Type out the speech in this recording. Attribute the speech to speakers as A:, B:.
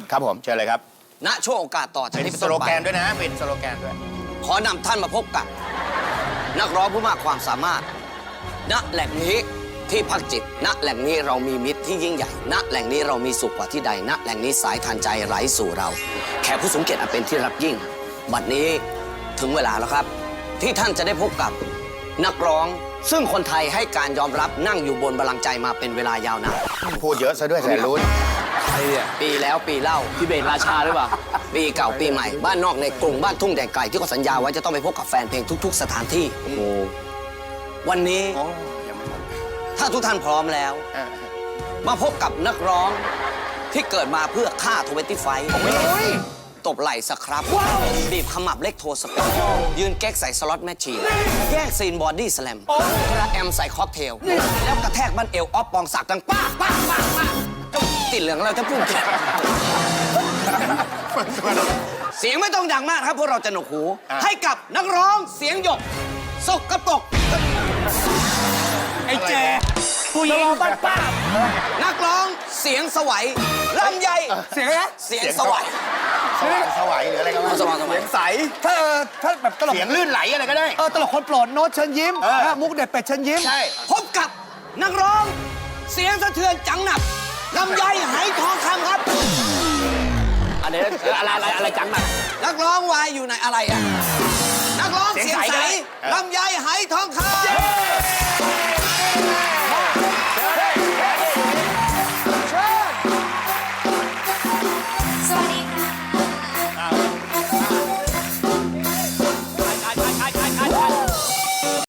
A: ครับผมเชิญเลยครับ
B: ณช่วงโอกาสต่อจาก
A: เป็น
B: นี้เป็น
A: ส
B: ต้น
A: โล
B: ไป
A: แกนด้วยนะเป็นสโลแกนด้วย
B: ขอนำท่านมาพบกับ นักร้องผู้มากความสามารถ ณแหล่งนี้ที่พักจิต ณแหล่งนี้เรามีมิตรที่ยิ่งใหญ่ ณแหล่งนี้เรามีสุขกว่าที่ใด ณแหล่งนี้สายทานใจไหลสู่เรา แขกผู้สูงเกียรติอันเป็นที่รักยิ่ง บัดนี้ถึงเวลาแล้วครับ ที่ท่านจะได้พบกับนักร้อง ซึ่งคนไทยให้การยอมรับนั่งอยู่บนบัลลังก์ใจมาเป็นเวลายาวนาน
A: พูดเยอะซะด้วยแสนรู้
C: ใครอ่ะ
B: ปีแล้วปีเล่า
C: พี่เบนราชาหรือเปล่า
B: ปีเก่าปีใหม่บ้านนอกในกรุงบ้านทุ่งแดนไกลที่เขาสัญญาไว้จะต้องไปพบกับแฟนเพลงทุก ๆ สถานที่
C: โอ้โห
B: วันนี้
A: โอ้ยังไม่หมด
B: ถ้าทุกท่านพร้อมแล้ว
A: อ่ะ
B: มาพบกับนักร้องที่เกิดมาเพื่อฆ่า25ไฟตบไหล่สครับบีบขมับเล็กโทสเปนยืนแก๊กใส่สล็อตแมชชีนแย่งซีนบอดี้สแลมกระแอมใส่ค็อกเทล แล้วกระแทกบั้นเอวออฟปองศักดิ์ดังป้าป้าป้าป้าติดเหลืองเราจะพูดเสียงไม่ต้องดังมากครับพวกเราจะหนวกหู ให้กับนักร้องเสียงหยกสกปรก
C: ไอ้แจผู้หญิงบ้านป้า
B: นักร้องเสียงสวัยลำไย
C: เสียงอะไรนะ
B: เสียงสวัย
A: สว่างสวัยหรืออะไรก็ว่า
B: สว่างสวัย
C: ใสถ้าแบบตลก
A: เสียงลื่นไหลอะไรก็ได้
C: ตลกคนโปรดโน้ตเชิญยิ้มมุกเด็ดเป็ดเชิญยิ้ม
A: ใช่
B: พบกับนักร้อง เสียงสะเทือนจังหนับลำไยไหทองคำครับ
C: อะไรจังน่ะ
B: นักร้องวายอยู่ไหนอะไรอ่ะนักร้องเสียงใสลำไยไหทองคำ